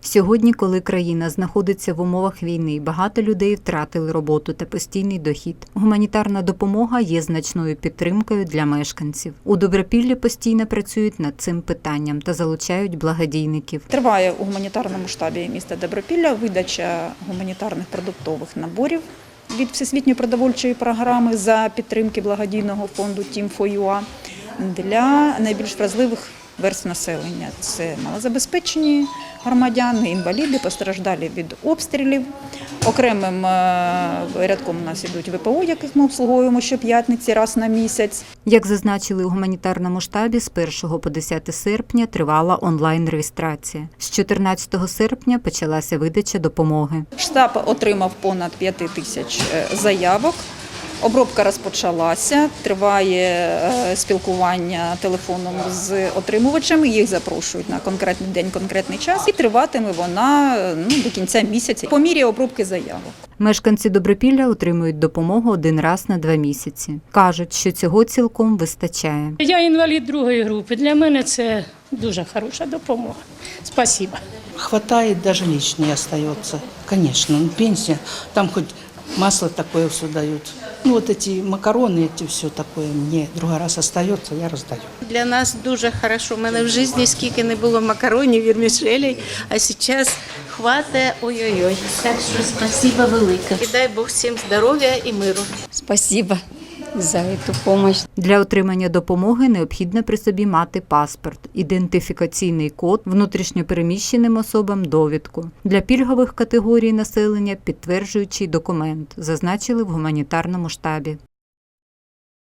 Сьогодні, коли країна знаходиться в умовах війни, багато людей втратили роботу та постійний дохід. Гуманітарна допомога є значною підтримкою для мешканців. У Добропіллі постійно працюють над цим питанням та залучають благодійників. Триває у гуманітарному штабі міста Добропілля видача гуманітарних продуктових наборів від Всесвітньої продовольчої програми за підтримки благодійного фонду Team for UA для найбільш вразливих верств населення. Це малозабезпечені громадяни, інваліди, постраждалі від обстрілів. Окремим рядком у нас ідуть ВПО, яких ми обслуговуємо щоп'ятниці раз на місяць. Як зазначили у гуманітарному штабі, з 1 по 10 серпня тривала онлайн-реєстрація. З 14 серпня почалася видача допомоги. Штаб отримав понад 5 тисяч заявок. Обробка розпочалася, триває спілкування телефоном з отримувачами, їх запрошують на конкретний день, конкретний час і триватиме вона до кінця місяця по мірі обробки заявок. Мешканці Добропілля отримують допомогу один раз на 2 місяці. Кажуть, що цього цілком вистачає. Я інвалід другої групи, для мене це дуже хороша допомога. Спасибо. Хватает, даже лишнее остается. Конечно, пенсия, там хоть масло такое все дают. Ну вот эти макароны, эти все такое мне другой раз остается, я раздаю. Для нас дуже хорошо. У мене в житті скільки не було макаронів, вірмішелей, а зараз хватає ой-ой-ой. Так що спасибо велике. І дай Бог всім здоров'я і миру. Спасибо за эту допомогу. Для отримання допомоги необхідно при собі мати паспорт, ідентифікаційний код, внутрішньопереміщеним особам довідку. Для пільгових категорій населення підтверджуючий документ, зазначили в гуманітарному штабі.